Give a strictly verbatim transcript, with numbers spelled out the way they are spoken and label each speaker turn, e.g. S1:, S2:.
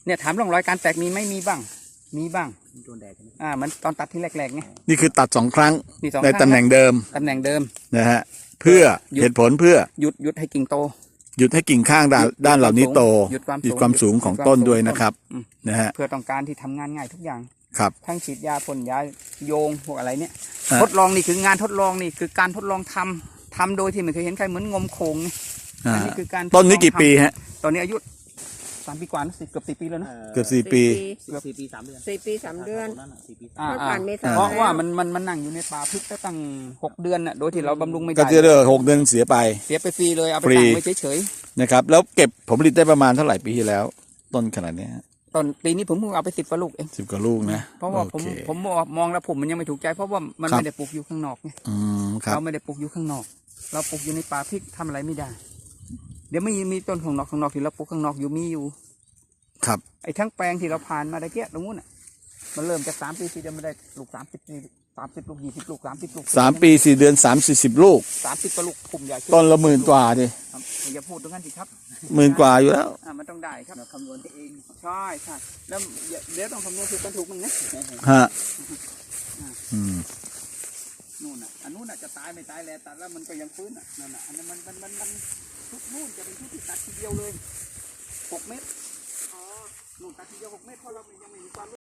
S1: เนี่ยถามร่องรอยการแตกมีไหมมีบ้างมีบ้างโดนแดดอ่ามันตอนตัดที่แรกๆไง
S2: นี่คือตัดสองครั้งใน
S1: ตำ
S2: ตำแหน่งเดิม
S1: ตำแหน่งเดิม
S2: นะฮะเพื่อเหตุผลเพื่อ
S1: หยุดหยุดให้กิ่งโต
S2: หยุดให้กิ่งข้างด้านด้านเหล่านี้โต
S1: หยุดความ
S2: หยุดความสูงของต้นด้วยนะครับนะฮะ
S1: เพื่อต้องการที่ทำงานง่ายทุกอย่าง
S2: ครับ
S1: ทั้งฉีดยาพ่นยาโยงพวกอะไรเนี่ยทดลองนี่คืองานทดลองนี่คือการทดลองทำทำโดยที่ไม่เคยเห็นใครเหมือนงมโขงนี่อันนี้คือการ
S2: ต้นนี้กี่ปีฮะ
S1: ตอนนี้อายุสามปีกว่าสิเกือบสี่ปีแล้วนะ
S2: เกือบสี่ปี
S1: เกือบสี่ปีสามเดือน
S3: สี่ปีสามเดือน
S1: เพราะว่ามันมันมันนั่งอยู่ในป่าพริกตั้งหกเดือนน่ะโดยที่เราบำรุงไม่ได้
S2: ก็จะเดือนหกเดือนเสียไป
S1: เสียไปฟรีเลยเอาไปตั้งไว้เฉย
S2: ๆนะครับแล้วเก็บผลผลิตได้ประมาณเท่าไหร่ปีที่แล้วต้นขนาดนี้
S1: ตอนปีนี้ผมเพิ่งเอาไปสิบกว่าลูกเอง
S2: สิบกว่าลูกนะ
S1: เพราะว่าผมผมมองแล้วผมมันยังไม่ถูกใจเพราะว่ามันไม่ได้ปลูกอยู่ข้างนอกไงเราไม่ได้ปลูกอยู่ข้างนอกเราปลูกอยู่ในป่าพริกทำอะไรไม่ได้เดี๋ยวไม่มีต้นข้างนอกข้างนอกที่เราปลูกข้างนอกอยู่มีอยู่
S2: ครับ
S1: ไอ้ทั้งแปลงที่เราผ่านมาได้เกี้ยตรงนู้นอ่ะมันเริ่มจากสามปีสี่เดือนมาได้ลูกสามสิบสามสิบลูกยี่สิบลูกสามสิบลูก
S2: สามปีสี่เดือนสามสี่สิบลูก
S1: สามสิบกว่าลูกผมใหญ่
S2: ต้นละหมื่นกว่าดิ
S1: อย่าพูดตรงนั้นสิครับ
S2: หมื่นกว่าอยู่แล้ว
S1: อ่ามันต้องได้ครับคำนวณเองใช่ใช่แล้วเดี๋ยวต้องคำนวณถูกกันถูกมึงนะ
S2: ฮะอืม
S1: นู่นอ่ะอันนู้นอ่ะจะตายไม่ตายแล้วตัดแล้วมันก็ยังฟื้นอ่ะนั่นอ่ะอันนั้นมันมันมันมันทุกนู่นจะเป็นทุกที่ตัดทีเดียวเลยหกเมตรอ๋อนู่นตัดทีเดียวหกเมตรเพราะเรายังไม่มีความ